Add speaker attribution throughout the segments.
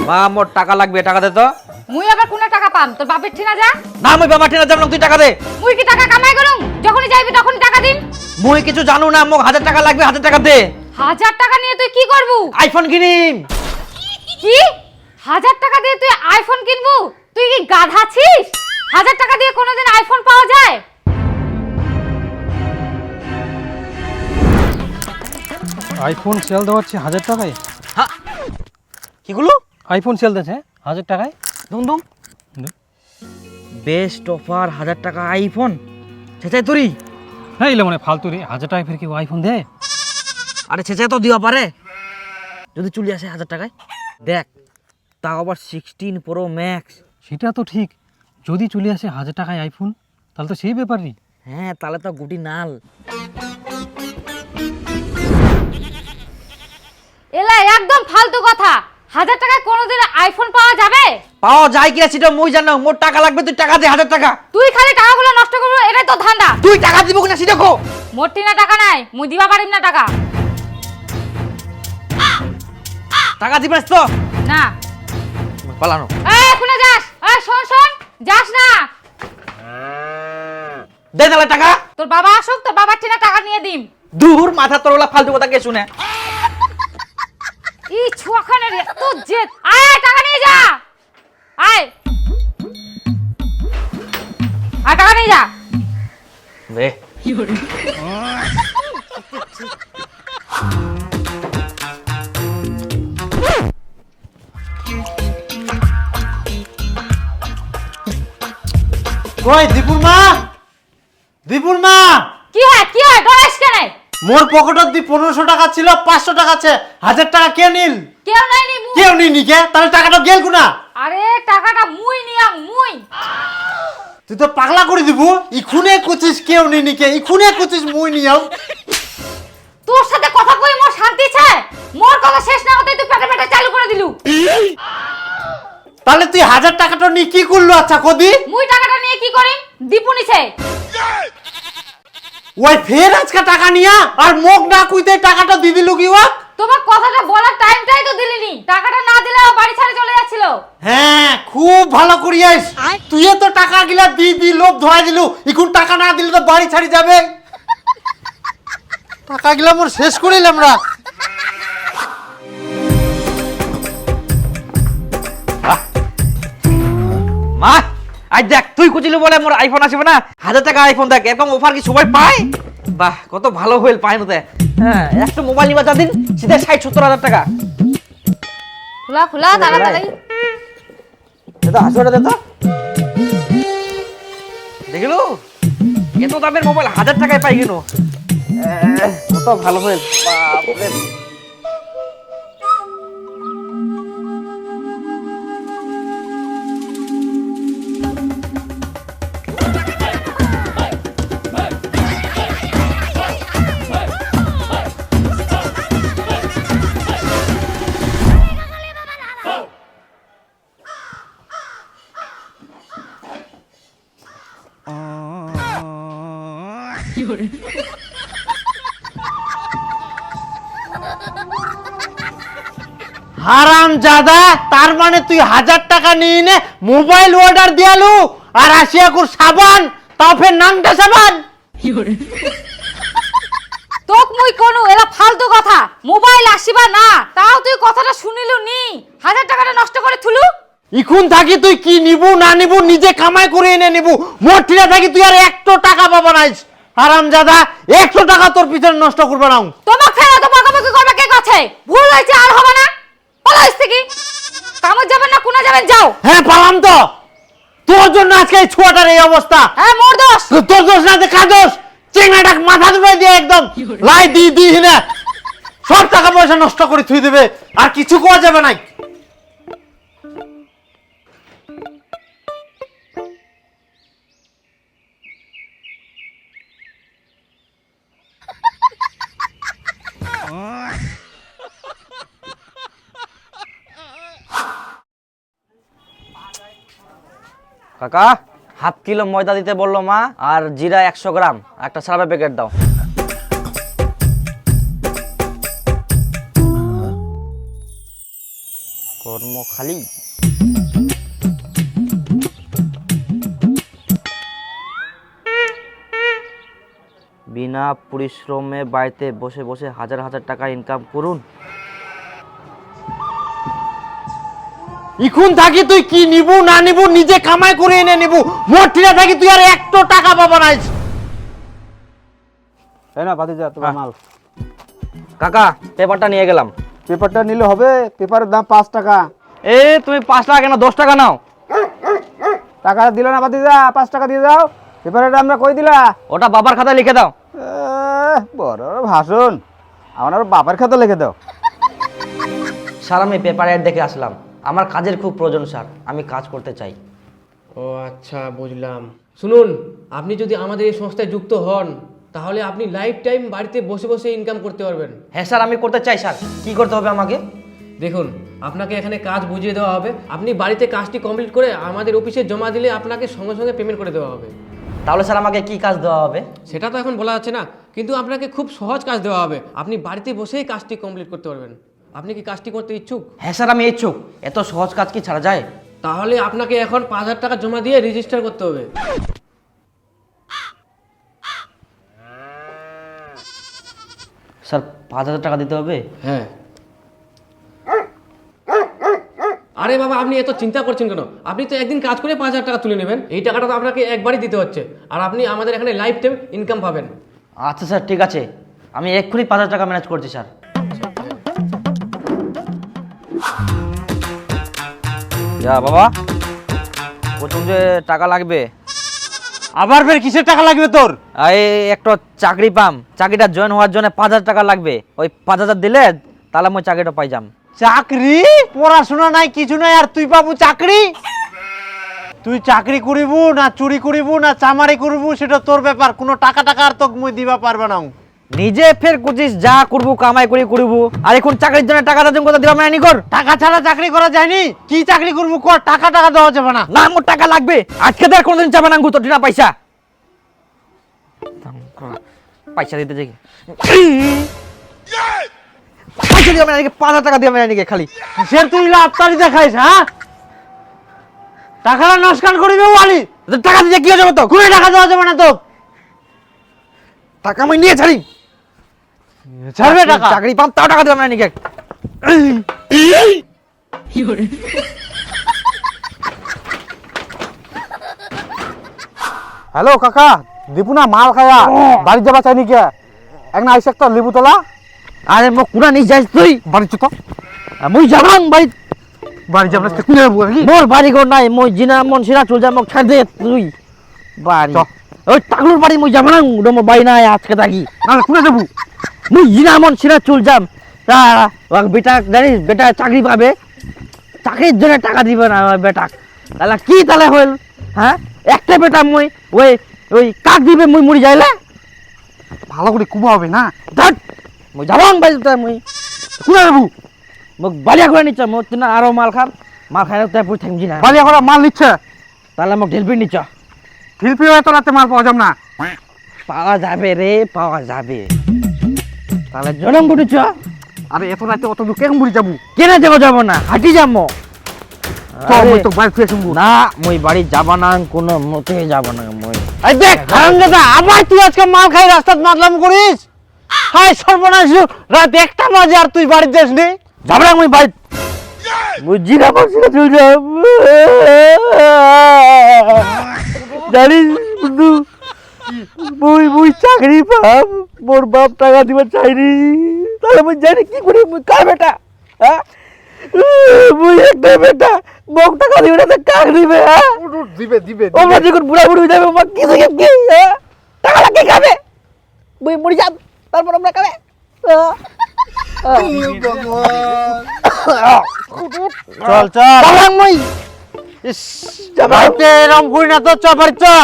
Speaker 1: মা মোর টাকা লাগবে, টাকা দে তো।
Speaker 2: মুই আবার কোন টাকা পাম? তোর বাপের ঠিনা যা।
Speaker 1: না মুই বাবা ঠিনা যাব না, তুই টাকা দে।
Speaker 2: মুই কি টাকা কামাই করুম? যখনই যাইবি তখনই টাকা দিন।
Speaker 1: মুই কিছু জানো না, মোক 1000 টাকা লাগবে, 1000 টাকা দে।
Speaker 2: 1000 টাকা নিয়ে তুই কি করবু?
Speaker 1: আইফোন কিনিম।
Speaker 2: কি 1000 টাকা দিয়ে তুই আইফোন কিনবু? তুই কি গাধা ছিস? 1000 টাকা দিয়ে কোনোদিন আইফোন পাওয়া যায়?
Speaker 3: আইফোন সেল দেওয়াচ্ছে 1000 টাকায়।
Speaker 1: হ্যাঁ কিগুলো?
Speaker 3: আইফোন সেল দিচ্ছে 1000 টাকায়।
Speaker 1: দুম দুম বেস্ট অফার 1000 টাকা আইফোন। ছেচাই তুই?
Speaker 3: হ্যাঁ এলে মানে ফালতু রে, 1000 টাকায় ফের কি আইফোন দে?
Speaker 1: আরে ছেচাই তো দিবা পারে যদি চলে আসে 1000 টাকায়। দেখ তাও আবার 16 প্রো ম্যাক্স।
Speaker 3: সেটা তো ঠিক, যদি চলে আসে 1000 টাকায় আইফোন তাহলে তো সেই ব্যাপারই।
Speaker 1: হ্যাঁ তাহলে তো গুটি নাল।
Speaker 2: এলা একদম ফালতু কথা। 1000 টাকায় কোনোদিন আইফোন পাওয়া যাবে?
Speaker 1: পাওয়া যায় কিনা সেটা মুই জানো। মোর টাকা লাগবে, তুই টাকা দে 1000 টাকা।
Speaker 2: তুই খালি টাকাগুলো নষ্ট করবি, এটাই তো ধান্দা।
Speaker 1: তুই টাকা দিব কিনা সেটা কো।
Speaker 2: মোর ঠিনা টাকা নাই, মুই দিবা পারিম না টাকা।
Speaker 1: টাকা দিবাস তো
Speaker 2: না।
Speaker 1: পালানো।
Speaker 2: এই কোনে যাস? এই শোন শোন, যাস না।
Speaker 1: দে তাহলে টাকা।
Speaker 2: তোর বাবা আসুক, তোর বাবার ঠিনা টাকা নিয়ে দিম।
Speaker 1: দূর মাথা তোর ওলা ফালতু কথা কে শুনে।
Speaker 2: এই ছুয়াখানের এত জেদ। আয় আয়, টাকা নিয়ে যা। আয় আয়, টাকা নিয়ে যা।
Speaker 1: দে
Speaker 4: কই দীপুর মা? দীপুর মা,
Speaker 2: কি হয় ডরাইস কেন?
Speaker 4: মোর পকেটত দি 1500 টাকা ছিল, 500 টাকা আছে, 1000 টাকা কে নিল?
Speaker 2: কেউ নাই নি মুই।
Speaker 4: কেউ নিনি কে? তাহলে টাকাটা গেল কুনা?
Speaker 2: আরে টাকাটা মুই নিয়াম, মুই।
Speaker 4: তুই তো পাগলা করে দিব। ইখুনে কুচিস কেউ নিনি কে, ইখুনে কুচিস মুই নিয়াও।
Speaker 2: তোর সাথে কথা কই মোর শান্তি চাই। মোর কথা শেষ না হতেই তুই পেটে পেটে চালু করে দিলু।
Speaker 4: তাহলে তুই 1000 টাকাটা নি কি করলো? আচ্ছা কদি
Speaker 2: মুই টাকাটা নিয়ে কি করিম? দীপু নিছে।
Speaker 4: ওই ফের আজকে টাকা নিয়া আর মোক না কইতে টাকাটা দি দিলু কি ওয়া?
Speaker 2: তোমার কথাটা বলার টাইমটাই তো দিলিনি। টাকাটা না দিলে ও বাড়ি ছেড়ে চলে যাচ্ছিল।
Speaker 4: হ্যাঁ খুব ভালো করিয়াস। তুই তো টাকা গিলা দি দি লোভ ধরা দিলু। এখন টাকা না দিলে তো বাড়ি ছাড়ি যাবে। টাকা গিলা মোর শেষ করিলাম রা।
Speaker 1: মা আজ দেখ তুই কুচিলু বলে মোর আইফোন আসবে না। 1000 টাকা আইফোন দেখ, এরকম অফার কি সবাই পায়? বাহ কত ভালো হইল পায় নতে। হ্যাঁ একটা মোবাইল নিবা যা দিন সিধা 60-70 হাজার টাকা।
Speaker 2: খোলা খোলা তাড়াতাড়ি।
Speaker 1: দাদা আসবে দে তো। দেখিলু এত দামের মোবাইল 1000 টাকায় পাই কেন? কত ভালো হইল। বাপ রে।
Speaker 4: হারাম জাদা, তার মানে তুই 1000 টাকা নিয়ে নে মোবাইল অর্ডার দিয়ালু আর আসিয়া কুর সাবান, তাও ফের নামটা সাবান।
Speaker 2: তোক মুই কোন এলা ফালতু কথা। মোবাইল আসিবা না তাও তুই কথাটা শুনিলু নি। 1000 টাকাটা নষ্ট করে থুলু।
Speaker 4: ইখুন থাকি তুই কি নিবু না নিবু নিজে কামাই করে এনে নিবু। মোর ঠিনা থাকি তুই আর 100 টাকা পাবা নাইস। হারাম জাদা 100 টাকা তোর পিছনে নষ্ট করবা না।
Speaker 2: তোমাক ফেরা তো বকাবকি করবে কে কাছে? ভুল হয়েছে আর হবে না। পালাইস থেকে কামে যাবেন না কোনা যাবেন যাও।
Speaker 4: হ্যাঁ পালাম তো, তোর জন্য আজকে এই ছোয়াটার এই অবস্থা।
Speaker 2: হ্যাঁ মোর দোষ।
Speaker 4: তোর দোষ না, কার দোষ? চেঙ্গাটা মাথা ধরে দিয়ে একদম লাই দি দি না সব টাকা পয়সা নষ্ট করে থুই দেবে আর কিছু কোয়া যাবে না।
Speaker 1: কাকা হাফ কিলো ময়দা দিতে বললো মা, আর জিরা 100 গ্রাম, একটা সারাপের প্যাকেট দাও। কর্ম খালি। বিনা পরিশ্রমে বাড়িতে বসে বসে হাজার হাজার টাকা ইনকাম করুন।
Speaker 4: এখন থাকি তুই কি নিবু না নিবু নিজে কামাই করে এনে নিবু, মোট ঠিনা থাকি তুই আর একটো টাকা পাবা নাই।
Speaker 5: তাই না ভাতিজা তোমার মাল।
Speaker 1: কাকা পেপারটা নিয়ে গেলাম।
Speaker 5: পেপারটা নিলে হবে? পেপারের দাম 5 টাকা।
Speaker 1: এ তুমি 5 টাকা কেন 10 টাকা নাও।
Speaker 5: টাকা দিল না ভাতিজা, 5 টাকা দিয়ে দাও। পেপারের দামটা কই দিলা?
Speaker 1: ওটা বাবার খাতায় লিখে দাও।
Speaker 5: বড় ভাষণ, আমার বাবার খাতা লিখে দাও।
Speaker 1: স্যার আমি পেপার অ্যাড দেখে আসলাম, আমার কাজের খুব প্রয়োজন স্যার, আমি কাজ করতে চাই।
Speaker 6: ও আচ্ছা, বুঝলাম। শুনুন, আপনি যদি আমাদের এই সংস্থায় যুক্ত হন তাহলে আপনি লাইফ টাইম বাড়িতে বসে বসে ইনকাম করতে পারবেন।
Speaker 1: হ্যাঁ স্যার আমি করতে চাই স্যার, কি করতে হবে আমাকে?
Speaker 6: দেখুন, আপনাকে এখানে কাজ বুঝিয়ে দেওয়া হবে, আপনি বাড়িতে কাজটি কমপ্লিট করে আমাদের অফিসে জমা দিলে আপনাকে সঙ্গে সঙ্গে পেমেন্ট করে দেওয়া হবে।
Speaker 1: তাহলে স্যার আমাকে কি কাজ দেওয়া হবে?
Speaker 6: সেটা তো এখন বলা যাচ্ছে না, কিন্তু আপনাকে খুব সহজ কাজ দেওয়া হবে, আপনি বাড়িতে বসেই কাজটি কমপ্লিট করতে পারবেন। আপনি কি কাজটি করতে ইচ্ছুক?
Speaker 1: হ্যাঁ স্যার আমি ইচ্ছুক, এত সহজ কাজ কি ছাড়া যায়?
Speaker 6: তাহলে আপনাকে এখন 5,000 টাকা জমা দিয়ে রেজিস্টার করতে হবে।
Speaker 1: স্যার 5,000 টাকা দিতে হবে?
Speaker 6: হ্যাঁ। আরে বাবা, আপনি এত চিন্তা করছেন কেন? আপনি তো একদিন কাজ করে 5,000 টাকা তুলে নেবেন, এই টাকাটা তো আপনাকে একবারই দিতে হচ্ছে, আর আপনি আমাদের এখানে লাইফ টাইম ইনকাম পাবেন।
Speaker 1: আচ্ছা স্যার ঠিক আছে, আমি এক্ষুনি 5,000 টাকা ম্যানেজ করছি স্যার। যা বাবা, প্রথম যে টাকা লাগবে।
Speaker 4: আবার ফের কিসের টাকা লাগবে তোর?
Speaker 1: এই একটা চাকরি পাম, চাকরিটা জয়েন হওয়ার জন্য 5,000 টাকা লাগবে, ওই 5,000 দিলে তাহলে আমি চাকরিটা পাই যাম।
Speaker 4: চাকরি? পড়াশোনা নাই কিছু নাই আর তুই পাবো চাকরি? তুই চাকরি করিবু না চুরি করিবু না চামারি করিবু সেটা তোর ব্যাপার, কোনো টাকা টাকা আর তোকে মুই দিবা পারবে না।
Speaker 1: নিজে ফের কুচিস যা করবো কামাই করে করবো, আর এখন চাকরির জন্য টাকা দাম কথা দিলাম না কর।
Speaker 4: টাকা ছাড়া চাকরি করা যায়নি, কি চাকরি করবো কর, টাকা টাকা দেওয়া যাবে না।
Speaker 1: না আমার টাকা লাগবে, আজকে তো আর কোনোদিন চাবে না তো না পয়সা পয়সা দিতে যাই, পয়সা দিয়ে আমি 5,000 টাকা দিয়ে আমি খালি
Speaker 4: সে তুই লাফতারি দেখাইস? হ্যাঁ, টাকাটা নস্কান করিবে ওয়ালি,
Speaker 1: টাকা দিয়ে কি হয়ে যাবে তো?
Speaker 4: কোনো টাকা দেওয়া যাবে না তো।
Speaker 1: টাকা আমি নিয়ে ছাড়ি,
Speaker 4: ছাড়বে টাকা?
Speaker 1: চাকরি পাম তাও টাকা দিলাম না নাকি।
Speaker 5: হ্যালো কাকা, দীপু না মাল খাওয়া বাড়ি যাবা চাইনি কে? এক না আইসে একটা লেবু তোলা।
Speaker 1: আরে মো কুনা নিয়ে যাইস তুই?
Speaker 5: বাড়ি চো তো,
Speaker 1: মুই যাবাং বাড়ি,
Speaker 5: বাড়ি যাবো না কুনে নেবো নাকি?
Speaker 1: মোর বাড়ি ঘর নাই, মই জিনা মন সিরা চল যা, মোক ছাড় দে তুই বাড়ি। ওই টাকলুর বাড়ি মুই যাবাং, মোর বাড়ি নাই আজকে থাকি।
Speaker 5: না কুনে যাবো?
Speaker 1: মুই জিনা মন সিরা চল যাম, তা বেটা জানিস বেটা চাকরি পাবে, চাকরির জন্য টাকা দিবে না বেটা, তাহলে কি তাহলে হইল? হ্যাঁ একটা বেটা মই ওই ওই কাক দিবে মুই মরি যাইলে?
Speaker 5: ভালো করে কুবা হবে না?
Speaker 1: ধর মুই যাবাং বাড়ি, মুই
Speaker 5: কুনে যাবো?
Speaker 1: মোক বালিয়া করে নিচ্ছ, মোক না আরো মাল খাম, মাল খাই তাই পুরি থাকবি না,
Speaker 5: বাড়ি এখন মাল নিচ্ছে,
Speaker 1: তাহলে মোক ঢেলবি নিচ্ছ।
Speaker 5: ঠিলপি হয়তো রাতে মাল পাওয়া যাবে না।
Speaker 1: পাওয়া যাবে রে, পাওয়া যাবে, তাহলে জনম ঘটেছ।
Speaker 5: আরে এত রাতে অত দূর কেমন বুড়ি যাবো?
Speaker 1: কেনে যাবো না, হাঁটি যাবো।
Speaker 5: তো মই তো বাড়ি ফিরে শুনবো
Speaker 1: না মই বাড়ি যাবা না, কোনো মতে যাব না মই।
Speaker 4: এই দেখ হারামজাদা, আবার তুই আজকে মাল খাই রাস্তাত মাতলাম করিস? হাই সর্বনাশ, রাত 1টা বাজে আর তুই বাড়ি যাস নি?
Speaker 1: যাব না মই বাড়ি, বুঝছি না বলছি না তুই যাব। জানিস বন্ধু, মুই মুই চাকরি পাম, মোর বাপ টাকা দিবার চাইনি, তাহলে মুই জানি কি করি, মুই কার বেটা? হ্যাঁ মুই একটা বেটা, মোক টাকা দিবে না তো কাক দিবে? হ্যাঁ
Speaker 5: দিবে দিবে
Speaker 1: ওমরা যখন বুড়া বুড়ি হয়ে যাবে, ওমরা কি থেকে কি? হ্যাঁ টাকা লাগে খাবে, মুই মরি যাব, তারপর আমরা খাবে।
Speaker 4: চল চল
Speaker 1: যাবাং মুই,
Speaker 4: ইস, বাড়িতে এরম করি না তো, চ বাড়ি চ।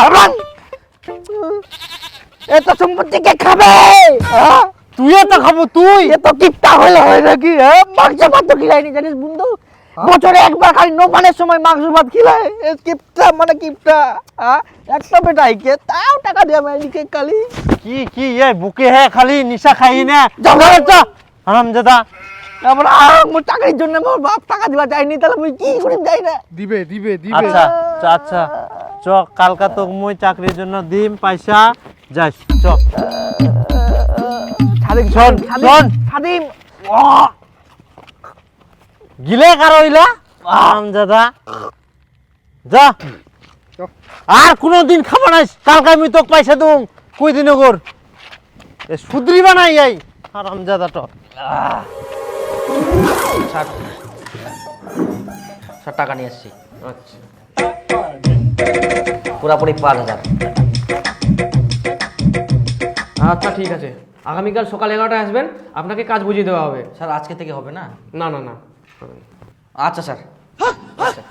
Speaker 1: এত সম্পত্তি কে খাবে? হ্যাঁ
Speaker 4: তুইও তো খাবো তুই।
Speaker 1: এত কিপটা হলে হয় নাকি? হ্যাঁ মাংস ভাত তো খিলাইনি জানিস বন্ধু, বছরে একবার খালি নোমানের সময় মাংস ভাত খিলায়, কিপটা মানে কিপটা। হ্যাঁ একটা বেটাই কে তাও টাকা দিয়ে আমি এদিকে খালি
Speaker 4: কি কি এ বুকে হে খালি নিশা খাই না?
Speaker 1: যাও ঘরে চ।
Speaker 4: হারামজাদা,
Speaker 1: তারপর মোর চাকরির জন্য মোর বাপ টাকা দিবা চাইনি, তাহলে মুই কি করে যাই না?
Speaker 5: দিবে দিবে দিবে।
Speaker 4: আচ্ছা আচ্ছা চ কালকা তো মুই চাকরির জন্য দিম পয়সা, যাস চ।
Speaker 1: সাদিম
Speaker 4: শোন, শোন।
Speaker 1: সাদিম
Speaker 4: গিলে কার হইলা আমজাদা, যা। আর কোনদিন খাবা না, কালকে আমি তোকে পয়সা দেবো, কই দিন ওগর এ সুদ্রিবা নাই এই হারামজাদাটা।
Speaker 7: স্যার টাকা নিয়ে এসছি,
Speaker 6: আচ্ছা
Speaker 7: পুরাপুরি 5,000।
Speaker 6: আচ্ছা ঠিক আছে, আগামীকাল সকাল 11টায় আসবেন, আপনাকে কাজ বুঝিয়ে দেওয়া হবে।
Speaker 7: স্যার আজকে থেকে হবে না?
Speaker 6: না না না,
Speaker 7: আচ্ছা স্যার। আচ্ছা।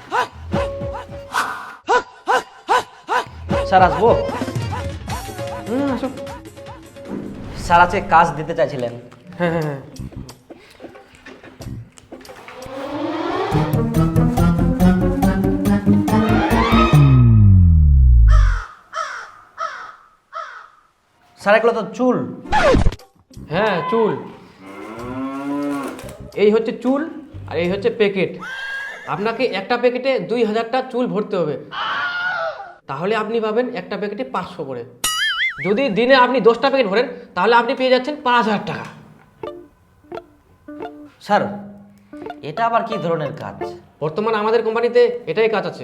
Speaker 7: স্যার আসবো?
Speaker 6: আসো।
Speaker 7: স্যার আজকে কাজ দিতে চাইছিলেন।
Speaker 6: হ্যাঁ হ্যাঁ হ্যাঁ,
Speaker 7: স্যার এগুলো তো চুল।
Speaker 6: হ্যাঁ চুল, এই হচ্ছে চুল আর এই হচ্ছে প্যাকেট। আপনাকে একটা প্যাকেটে 2000টা চুল ভরতে হবে, তাহলে আপনি পাবেন একটা প্যাকেটে 500 করে। যদি দিনে আপনি 10টা প্যাকেট ভরেন তাহলে আপনি পেয়ে যাচ্ছেন 5000 টাকা।
Speaker 7: স্যার এটা আবার কি ধরনের কাজ?
Speaker 6: বর্তমানে আমাদের কোম্পানিতে এটাই কাজ আছে।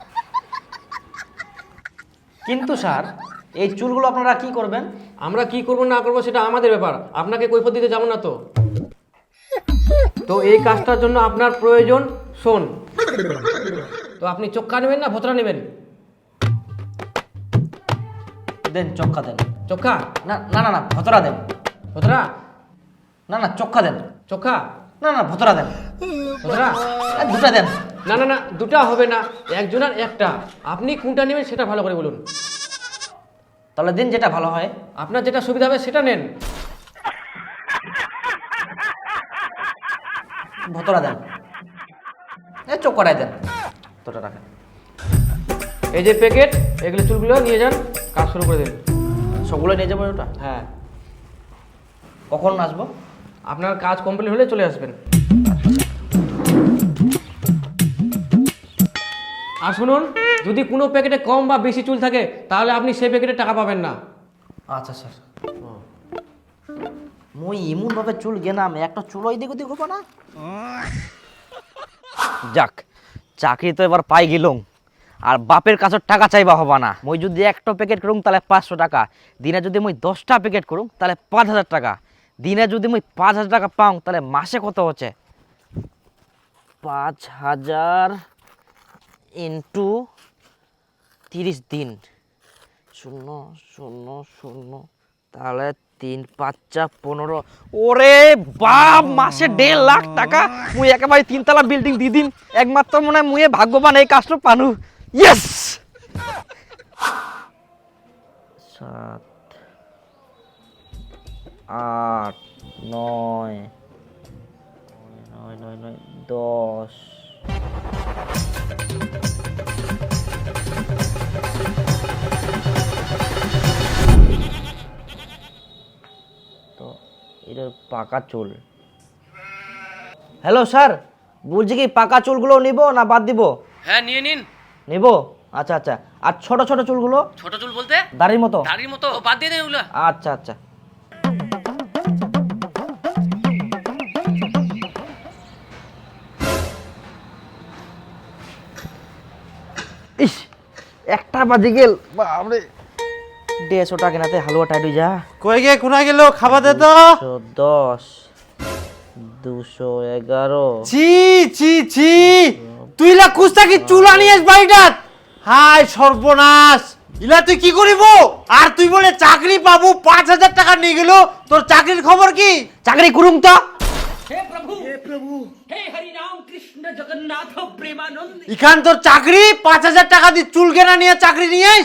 Speaker 7: কিন্তু স্যার এই চুলগুলো আপনারা কি করবেন?
Speaker 6: আমরা কি করব না করব সেটা আমাদের ব্যাপার, আপনাকে কৈফিয়ত দিতে যাব না তো। তো এই কাজটার জন্য আপনার প্রয়োজন শোন। তো আপনি চোক্কা নেবেন না ভোতরা নেবেন?
Speaker 7: দেন চক্কা দেন।
Speaker 6: চোক্কা?
Speaker 7: না না না না ভতরা দেন।
Speaker 6: ভোতরা?
Speaker 7: না না চক্কা দেন।
Speaker 6: চোক্কা?
Speaker 7: না না ভতরা দেন।
Speaker 6: ভোতরা?
Speaker 7: দুটা দেন।
Speaker 6: না না না, দুটা হবে না, একজনের একটা। আপনি কোনটা নেবেন সেটা ভালো করে বলুন।
Speaker 7: তাহলে দিন যেটা ভালো হয়।
Speaker 6: আপনার যেটা সুবিধা হবে সেটা নেন।
Speaker 7: ভতরা দেন, এই চক্করাই দেন, তোটা রাখেন।
Speaker 6: এই যে প্যাকেট, এগুলো চুলগুলো নিয়ে যান, কাজ শুরু করে দিন।
Speaker 7: সবগুলো নিয়ে যাবো ওটা?
Speaker 6: হ্যাঁ,
Speaker 7: কখন আসবো?
Speaker 6: আপনার কাজ কমপ্লিট হলে চলে আসবেন। আর শুনুন, যদি কোনো প্যাকেটে কম বা বেশি চুল থাকে তাহলে আপনি সেই প্যাকেটে টাকা পাবেন না।
Speaker 7: আচ্ছা স্যার। মুই এমন ভাবে চুল গেনাম একটা চুল এদিক ওদিক হবো না। যাক, চাকরি তো এবার পাই গেলুম, আর বাপের কাছে টাকা চাইবা হবা না। মুই যদি একটা প্যাকেট করুম তাহলে 500 টাকা, দিনে যদি মুই 10টা প্যাকেট করুম তাহলে 5000 টাকা, দিনে যদি মুই 5000 টাকা পাও তাহলে মাসে কত হচ্ছে? 5000 ইন্টু 30 দিন, 0 0 0, তাহলে 3 5 15। ওরে বাপ, মাসে 1.5 লাখ টাকা। মুই একেবারে 3 তলা বিল্ডিং দিয়ে দিন। একমাত্র মনে হয় মুই ভাগ্যবান এই কাজটা পানু। ইয়েস। 7 8 9 9 9 10। তো এটা পাকা চুল। হ্যালো স্যার, বলছি কি পাকা চুলগুলো নিব না বাদ দিব?
Speaker 6: হ্যাঁ নিয়ে নিন।
Speaker 7: নিব? আচ্ছা আচ্ছা। আর ছোট ছোট চুলগুলো?
Speaker 6: ছোট চুল বলতে
Speaker 7: দাড়ির মতো?
Speaker 6: দাড়ির মতো বাদ দিয়ে দেন ওগুলো।
Speaker 7: আচ্ছা আচ্ছা। ইস, 1টা বাজে গেল। বাপরে, 150 টাকা কেনাতে হালুয়া টাইট হয়ে যা।
Speaker 4: কই গে কোনা গেল, খাবা দে তো।
Speaker 7: 110 211।
Speaker 4: ছি ছি ছি, তুই লা কুস্তা কি চুলা নিয়েস বাড়িটাত? হায় সর্বনাশ, ইলা তুই কি করিব? আর তুই বলে চাকরি পাবো, 5000 টাকা নিয়ে গেল। তোর চাকরির খবর কি?
Speaker 7: চাকরি করুম তো।
Speaker 4: ইখান তোর চাকরি, 5000 টাকা দিয়ে চুল কেনা নিয়ে চাকরি নিয়েস।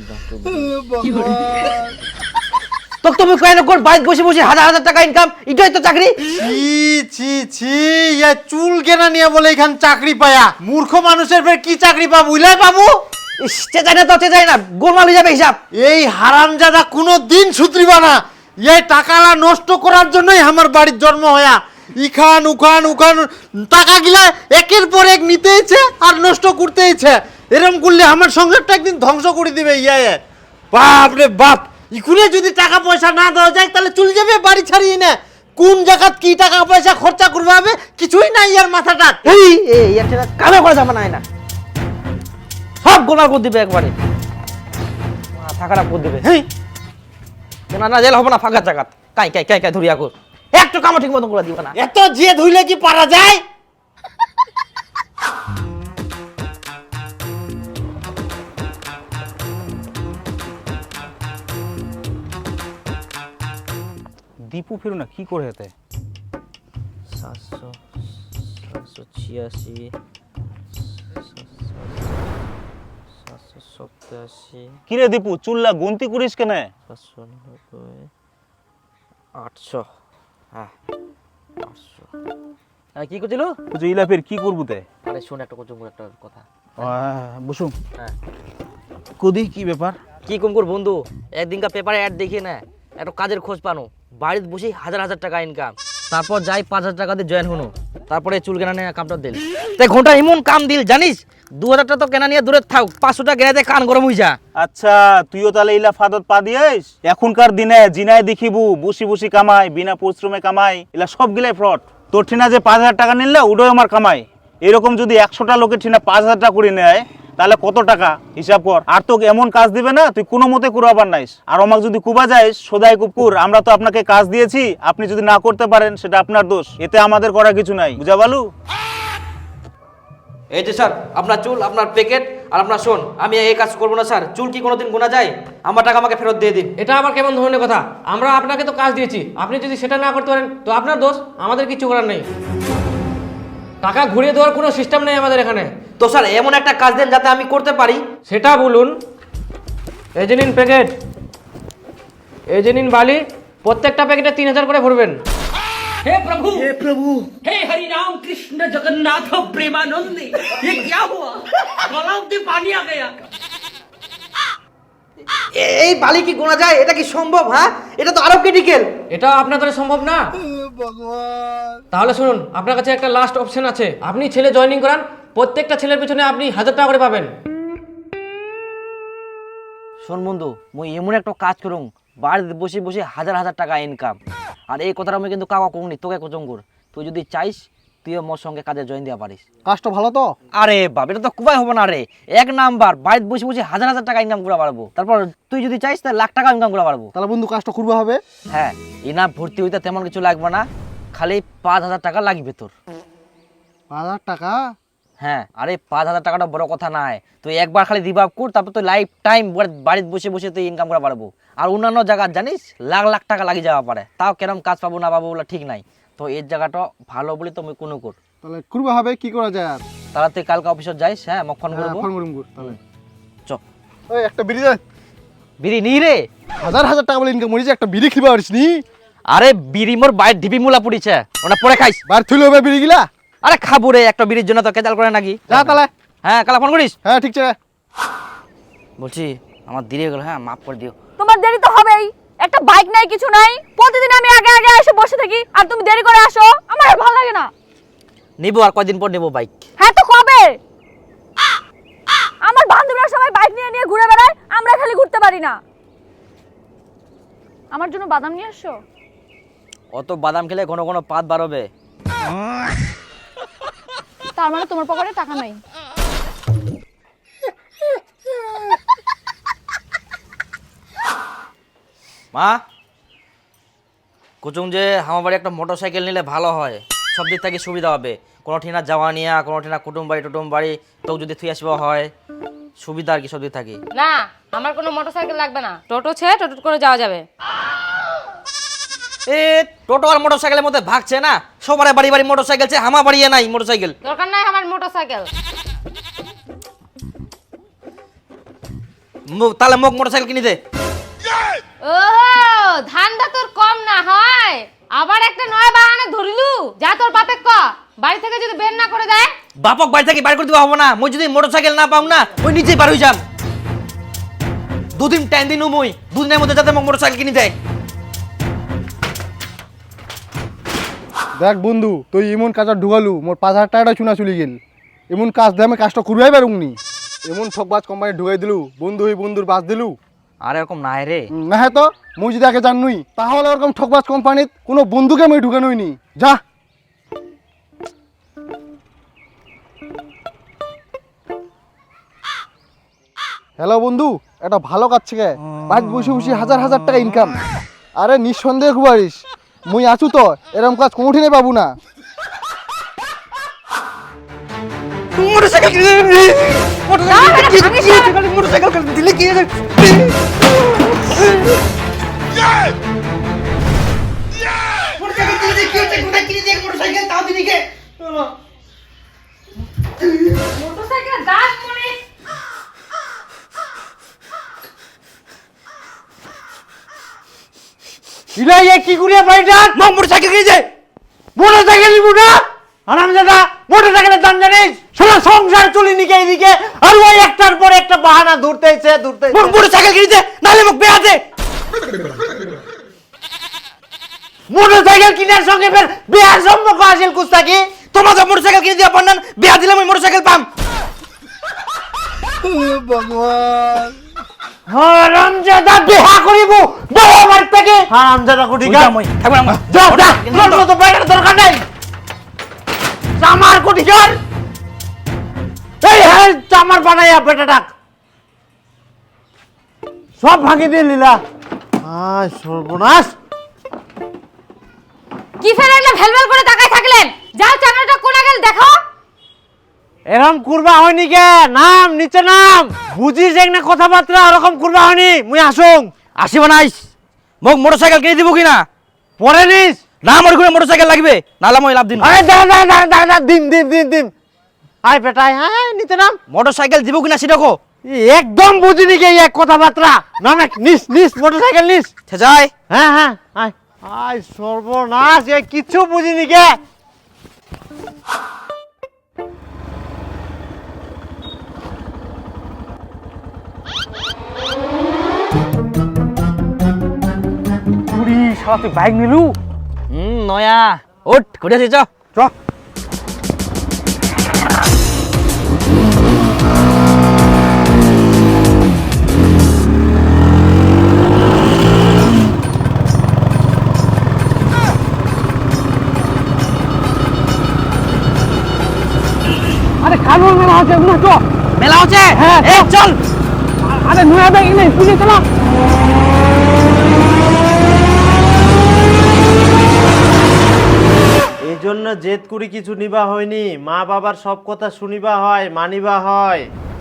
Speaker 7: তোকে তুমি কয় না কর বাড়িতে বসে বসে হাজার হাজার টাকা ইনকাম, এটাই তো চাকরি।
Speaker 4: ছি ছি ছি, ইয়া চুল কেনা নিয়ে বলে এখান চাকরি পায়া। মূর্খ মানুষের ফের কি চাকরি পাবো? ইলাই পাবো।
Speaker 7: চেঁচাই না তো চেঁচাই না, গোলমাল হয়ে যাবে হিসাব।
Speaker 4: এই হারামজাদা কোনো দিন সুধরিবা না। এই টাকালা নষ্ট করার জন্যই আমার বাড়ির জন্ম হয়া। ইখান উখান উখান টাকা গিলা একের পর এক নিতেইছে আর নষ্ট করতেইছে। এরকম করলে আমার সংসারটা একদিন ধ্বংস করে দিবে ইয়ে। বাপ রে বাপ, ইকুনে যদি টাকা পয়সা না দেওয়া যায় তাহলে চলে যাবে বাড়ি ছাড়িয়ে না। কোন জায়গাত কি টাকা পয়সা খরচা করবে হবে কিছুই নাই ইয়ার মাথাটা।
Speaker 7: এই একটা কামে করা যাবে না সব গোলা করে দিবে একবারে, মাথা খারাপ করে দিবে।
Speaker 4: হেই,
Speaker 7: না না জেল হবে না, ফাঁকা জায়গা কাই কাই কাই কাই ধরিয়া কর, একটু কামও ঠিক মতন করে দিবে না।
Speaker 4: এত যে ধুইলে কি পারা যায়?
Speaker 5: দীপু ফিরু না কি করে হেতে
Speaker 7: 786 787
Speaker 5: কি রে দীপু চুল্লা গুনতি করিস কেন?
Speaker 7: 790 800। হ্যাঁ 800। হ্যাঁ কি করছিল?
Speaker 5: তুই ইলা ফের কি করবু তে?
Speaker 7: আরে শোন একটা একটা কথা।
Speaker 5: বসুম
Speaker 7: হ্যাঁ
Speaker 5: কদি কি ব্যাপার?
Speaker 7: কি কম কর বন্ধু, একদিনকার পেপারে অ্যাড দেখি না একটা কাজের খোঁজ পানো, বাড়িতে বসে হাজার হাজার টাকা ইনকাম, তারপর যাই 5,000 টাকা দিয়ে জয়েন হনো, তারপরে চুল কেনা নিয়ে কামটা দিল, তাই ঘন্টা এমন কাম দিল জানিস, 2,000 টাকা তো কেনা নিয়ে দূরে থাক, 500 টাকা কেনাতে কান গরম হয়ে যা।
Speaker 5: আচ্ছা তুইও তাহলে ইলা ফাদত পা দিয়েস? এখনকার দিনে জিনায় দেখিবু বসি বসি কামাই, বিনা পরিশ্রমে কামাই, এলা সব গিলাই ফ্রড। তোর ঠিনা যে 5,000 টাকা নিলে ওটাই আমার কামাই। এরকম যদি 100টা লোকের ঠিনা 5,000 টাকা করে নেয় তাহলে কত টাকা হিসাব কর। আর তোকে এমন কাজ দিবে না তুই কোনো মতে কুরাবার নাইস। আর আমাকে যদি কুবা যাইস সদাই কুকুর, আমরা তো আপনাকে কাজ দিয়েছি, আপনি যদি না করতে পারেন সেটা আপনার দোষ, এতে আমাদের করা কিছু নাই, বুঝা বালু?
Speaker 7: এই যে স্যার আপনার চুল, আপনার প্যাকেট, আর আপনার শোন, আমি এই কাজ করবো না স্যার। চুল কি কোনোদিন গোনা যায়? আমার টাকা আমাকে ফেরত দিয়ে দিন।
Speaker 6: এটা আবার কেমন ধরনের কথা? আমরা আপনাকে তো কাজ দিয়েছি, আপনি যদি সেটা না করতে পারেন তো আপনার দোষ, আমাদের কিছু করার নেই। টাকা ঘুরিয়ে দেওয়ার কোনো সিস্টেম নেই আমাদের এখানে।
Speaker 7: তো স্যার এমন একটা কাজ দেন যাতে আমি করতে পারি।
Speaker 6: সেটা বলুন। এই যে নিন প্যাকেট, এই যে নিন বালি, প্রত্যেকটা প্যাকেটে 3,000 করে ভরবেন।
Speaker 8: हे प्रभु हे हरि राम कृष्ण जगन्नाथ प्रेमानंद, ये क्या हुआ? गलाव में पानी आ गया।
Speaker 7: এই বালি কি গোনা যায়? এটা কি সম্ভব? হ্যাঁ এটা তো আরো ক্রিটিক্যাল।
Speaker 6: এটা আপনার দ্বারা সম্ভব না। তাহলে শুনুন, আপনার কাছে একটা লাস্ট অপশন আছে, আপনি ছেলে জয়েনিং করান, প্রত্যেকটা ছেলের পিছনে আপনি 1,000 টাকা করে পাবেন।
Speaker 7: শোন বন্ধু, মুই এমন একটা কাজ করুম, বাড়িতে বসে বসে হাজার হাজার টাকা ইনকাম। আর এই কথাটা আমি কিন্তু কাকা কমনি, তোকে কোচঙ্গুর, তুই যদি চাইস তুইও মোর সঙ্গে কাজে জয়েন দেওয়া পারিস।
Speaker 5: কাজটা ভালো তো?
Speaker 7: আরে বাপ, এটা তো কুবাই হবে না রে, 1 নাম্বার, বাড়িতে বসে বসে হাজার হাজার টাকা ইনকাম করে পারবো। তারপর তুই যদি চাইস তাহলে লাখ টাকা ইনকাম করে পারবো।
Speaker 5: তাহলে বন্ধু কাজটা করবে হবে?
Speaker 7: হ্যাঁ, ইনাম ভর্তি হইতে তেমন কিছু লাগবে না, খালি 5,000 টাকা লাগবে তোর।
Speaker 5: 5,000 টাকা?
Speaker 7: হ্যাঁ, আরে 5,000 টাকাটা বড় কথা নাই, তুই একবার খালি রিভাব কর, তারপর তুই লাইফ টাইম বাড়িতে বসে বসে তুই ইনকাম করে পারবো। আর অন্যান্য জায়গা জানিস লাখ লাখ টাকা লাগিয়ে যাওয়া পারে, তাও কেরম কাজ পাবো না পাবো বলে ঠিক নাই। তো এই জায়গাটা ভালো বলে তুমি কোনো কর,
Speaker 5: তাহলে করবে হবে, কি করা যায় আর?
Speaker 7: তাহলে তুই কালকে অফিসে যাইস। হ্যাঁ, মোক ফোন করবো।
Speaker 5: ফোন করুম কর তাহলে।
Speaker 7: চ
Speaker 5: ওই একটা বিড়ি দে।
Speaker 7: বিড়ি নি রে।
Speaker 5: হাজার হাজার টাকা বলে ইনকাম করিস, একটা বিড়ি খিবা পারিস নি?
Speaker 7: আরে বিড়ি মোর বাইর ঢিপি মুলা পড়িছে, ওটা পরে খাইস।
Speaker 5: বার থুইলে হবে বিড়ি গিলা?
Speaker 7: আরে খাবো রে, একটা বিড়ির জন্য তো কেজাল করে নাকি?
Speaker 5: যা তাহলে।
Speaker 7: হ্যাঁ কালা ফোন করিস।
Speaker 5: হ্যাঁ ঠিক আছে।
Speaker 7: বলছি আমার দেরি হয়ে গেল, হ্যাঁ মাফ করে দিও।
Speaker 2: তোমার দেরি তো হবেই, একটা বাইক নাই কিছু নাই, প্রতিদিন আমি আগে আগে এসে বসে থাকি আর তুমি দেরি করে আসো, আমার আর ভালো লাগে না।
Speaker 7: নিবো, আর কয়দিন পর নেবো বাইক।
Speaker 2: হ্যাঁ তো কবে? আমার বান্ধবীরা সবাই বাইক নিয়ে নিয়ে ঘুরে বেড়ায়, আমরা খালি ঘুরতে পারি না। আমার জন্য বাদাম নিয়ে আসো।
Speaker 7: অত বাদাম খেলে ঘন ঘন পাত বাড়বে।
Speaker 2: তার মানে তোমার পকেটে টাকা নাই?
Speaker 7: মা কুচুং যে আমার বাড়ি একটা মোটরসাইকেল নিলে ভালো হয়, সব দিক থেকে সুবিধা হবে, কোনো ঠিনা যাওয়া নিয়া, কোনো ঠিনা কুটুম বাড়ি তো যদি থুই আসবা হয় সুবিধা আর কি সব দিক থাকি।
Speaker 2: না, আমার কোনো মোটরসাইকেল লাগবে না, টোটো ছেড়ে টোটো করে যাওয়া যাবে।
Speaker 7: এ টোটো আর মোটরসাইকেলের মধ্যে ভাগছে না, সবার বাড়ি বাড়ি মোটরসাইকেল আছে, আমার বাড়ি নাই মোটরসাইকেল।
Speaker 2: দরকার নাই আমার মোটরসাইকেল।
Speaker 7: তাহলে মোক মোটরসাইকেল কিনে দে।
Speaker 2: ও ধান্দা তোর কম না হয়, আবার একটা নয় বাহানা ধরিলু, যা তোর বাপে ক বাড়ি থেকে যদি বের না করে দেয়।
Speaker 7: বাপক বাড়ি থেকে বাইর করে দিবা হবো না, মই যদি মোটরসাইকেল না পাও না ওই নিজেই পার হয়ে যাম। 2 দিন টাইম দিনু, মই 2 দিনের মধ্যে যাতে মোক মোটরসাইকেল কিনে দেয়।
Speaker 9: দেখ বন্ধু তুই এমন কাজটা ঢুকালু মোর 5,000 টাকাটা চুনা চলে গেল। এমন কাজ দিয়ে আমি কাজটা করবাই পারুমনি। এমন ঠকবাজ কোম্পানি ঢুকাই দিলু, বন্ধু হই বন্ধুর বাস দিলু।
Speaker 7: আর এরকম নাই রে।
Speaker 9: না হ্যাঁ তো মুই যদি আগে জানুই তাহলে ওরকম ঠকবাজ কোম্পানিত কোনো বন্ধুকে আমি ঢুকানোই নি। যা হ্যালো বন্ধু, একটা ভালো কাজ থেকে বাড়িতে বসে বসে হাজার হাজার টাকা ইনকাম। আরে নিঃসন্দেহে খুব পারিস, মুই আছু তো, এরকম কাজ কোনোদিনই পাবো না।
Speaker 2: মোটরসাইকেল দাস মনে
Speaker 4: ইলাই এ কি করিয়া বাড়িটা মোটরসাইকেল কিনেছে। মোটরসাইকেল নিবো না আরামজাদা, মোটরসাইকেলের দাম জানিস? সারা সংসার চলিনি কে এদিকে, আর ওই একটার পর একটা বাহানা ধরতেছে। মোটরসাইকেল কিনেছে নালে মুখ বেয়াতে। মোটরসাইকেল কিনার সঙ্গে ফের বেয়ার সম্পর্ক আসিল কুস্তাকি।
Speaker 7: তোমাকে মোটরসাইকেল কিনে দিয়া পান্নান, বিয়া দিলে আমি মোটরসাইকেল পাম।
Speaker 4: হারামজাদা বিয়া করিব বড় আমার থেকে। হারামজাদা কোটি গা যা যা, তোর তো বাইরের দরকার নাই। চামার কোটি কর, এই হ্যাঁ চামার বানাইয়া বেটাটা সব ভাঙি দিয়ে লীলা। আয় সর্বনাশ।
Speaker 2: কি ফেলে এগুলো ভেলভেল করে তাকায় থাকলেন? যাও চামড়াটা কোনা গেল দেখো।
Speaker 4: এরকম করবা হয়নি কে? নাম নিচে নাম, বুঝিস এক না কথাবার্তা, ওরকম করবা হয়নি। মুই আসুন
Speaker 7: আসিব নাইস, মোক মোটরসাইকেল কিনে দিব কিনা?
Speaker 4: পরে নিস
Speaker 7: না মোর ঘুরে মোটরসাইকেল লাগবে, নালা মই লাভ দিন।
Speaker 4: আরে দাঁড়া দাঁড়া দাঁড়া, দিন দিন দিন দিন। আয় বেটা, হ্যাঁ নিচে নাম।
Speaker 7: মোটরসাইকেল দিব কিনা সেটা কো।
Speaker 4: একদম বুঝিনি কে এক কথাবার্তা। না না নিস নিস, মোটরসাইকেল নিস।
Speaker 7: যাই
Speaker 4: হ্যাঁ হ্যাঁ আয় আয় সর্বনাশ, এ কিছু বুঝিনি কে।
Speaker 1: শালা তুই বাইক নিলু?
Speaker 7: নয়া ওঠ ঘুরে আসি চ।
Speaker 1: আরে খানুর মেলা আছে না তো?
Speaker 7: মেলা হচ্ছে, হ্যাঁ চল।
Speaker 1: আরে নয়া বাইক নেই, পুলিশ চলো।
Speaker 4: এই জন্য জেদ করি কিছু নিবা হয়নি। মা বাবার সব কথা শুনিবা হয়, মানিবা হয়।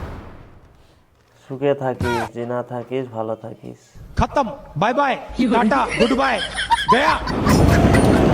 Speaker 4: সুখে থাকিস, যে না থাকিস ভালো থাকিস।
Speaker 10: खत्म bye bye tata good bye गया